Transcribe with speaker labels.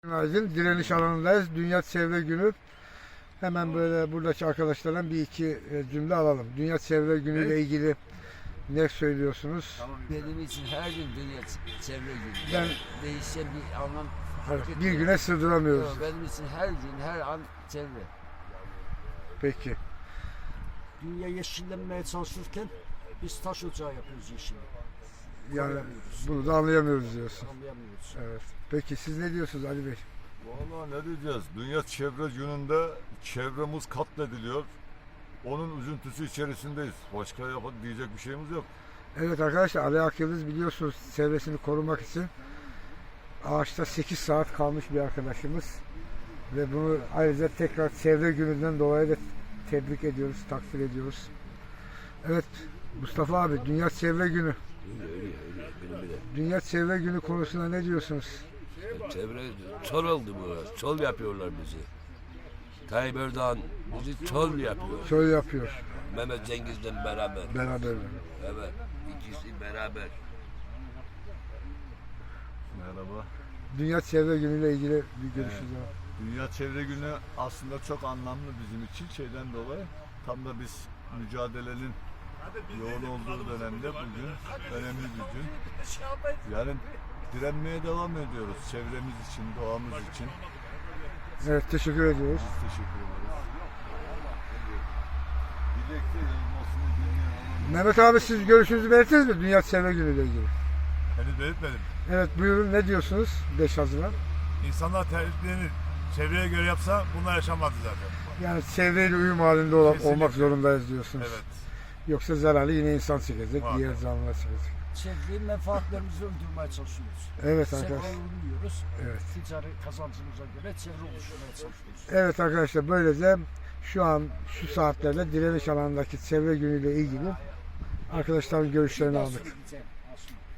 Speaker 1: Günaydın. Direniş alanındayız. Dünya Çevre Günü. Hemen böyle buradaki arkadaşlardan bir iki cümle alalım. Dünya Çevre Günü ile ilgili ne söylüyorsunuz?
Speaker 2: Benim için her gün dünya çevre günü.
Speaker 1: Ben-
Speaker 2: Değişen bir anlam
Speaker 1: Evet,
Speaker 2: fark
Speaker 1: bir
Speaker 2: etmiyor.
Speaker 1: güne sığdıramıyoruz.
Speaker 2: Yok, benim için her gün, her an çevre.
Speaker 1: Peki.
Speaker 3: Dünya yeşillenmeye çalışırken biz taş ocağı yapıyoruz yeşili.
Speaker 1: Yani
Speaker 3: Anlayamıyoruz.
Speaker 1: bunu da anlayamıyoruz diyorsun.
Speaker 3: Anlayamıyoruz.
Speaker 1: Evet. Peki siz ne diyorsunuz Ali Bey?
Speaker 4: Vallahi ne diyeceğiz? Dünya Çevre Günü'nde çevremiz katlediliyor. Onun üzüntüsü içerisindeyiz. Başka diyecek bir şeyimiz yok.
Speaker 1: Evet arkadaşlar, Ali Akyıldız biliyorsunuz çevresini korumak için ağaçta 8 saat kalmış bir arkadaşımız. Ve bunu ayrıca tekrar Çevre Günü'nden dolayı da tebrik ediyoruz, takdir ediyoruz. Evet Mustafa abi, Dünya Çevre Günü.
Speaker 5: Benim bile.
Speaker 1: Dünya Çevre Günü konusunda ne diyorsunuz?
Speaker 5: Çevre çöl oldu bu. Çöl yapıyorlar bizi. Tayyip Erdoğan bizi çöl yapıyor.
Speaker 1: Şöyle yapıyor
Speaker 5: Mehmet Cengiz'le beraber.
Speaker 1: beraber.
Speaker 5: Evet. İkisi beraber.
Speaker 4: Merhaba.
Speaker 1: Dünya Çevre Günü ile ilgili bir görüşünüz var.
Speaker 4: Dünya Çevre Günü aslında çok anlamlı bizim için şeyden dolayı. Tam da biz mücadelenin yoğun olduğu dönemde bugün önemli bir gün. Yani direnmeye devam ediyoruz çevremiz için, doğamız için.
Speaker 1: Evet, teşekkür ediyoruz.
Speaker 4: Biz teşekkür ederiz. Dilekte yazmasını dinleyen
Speaker 1: Mehmet abi, siz görüşünüzü belirttiniz mi Dünya Çevre Günü ile ilgili?
Speaker 6: Henüz belirtmedim.
Speaker 1: Evet, buyurun, ne diyorsunuz 5 Haziran?
Speaker 6: İnsanlar tercihlerini çevreye göre yapsa bunlar yaşanmazdı zaten.
Speaker 1: Yani çevreyle uyum halinde
Speaker 6: Kesinlikle.
Speaker 1: olmak zorundayız diyorsunuz.
Speaker 6: Evet.
Speaker 1: Yoksa zararlı yine insan çekecek,
Speaker 6: Muhakkak.
Speaker 1: diğer canlılar çekecek.
Speaker 3: Çevreyi menfaatlerimizi öldürmeye çalışıyoruz.
Speaker 1: Evet arkadaşlar.
Speaker 3: Çevreyi öldürüyoruz.
Speaker 1: Evet.
Speaker 3: Ticari kazancımıza göre çevre oluşturmaya çalışıyoruz.
Speaker 1: Evet arkadaşlar, böylece şu an şu saatlerde direniş alanındaki çevre günüyle ilgili arkadaşların görüşlerini aldık.
Speaker 3: Söyleyeceğim aslında.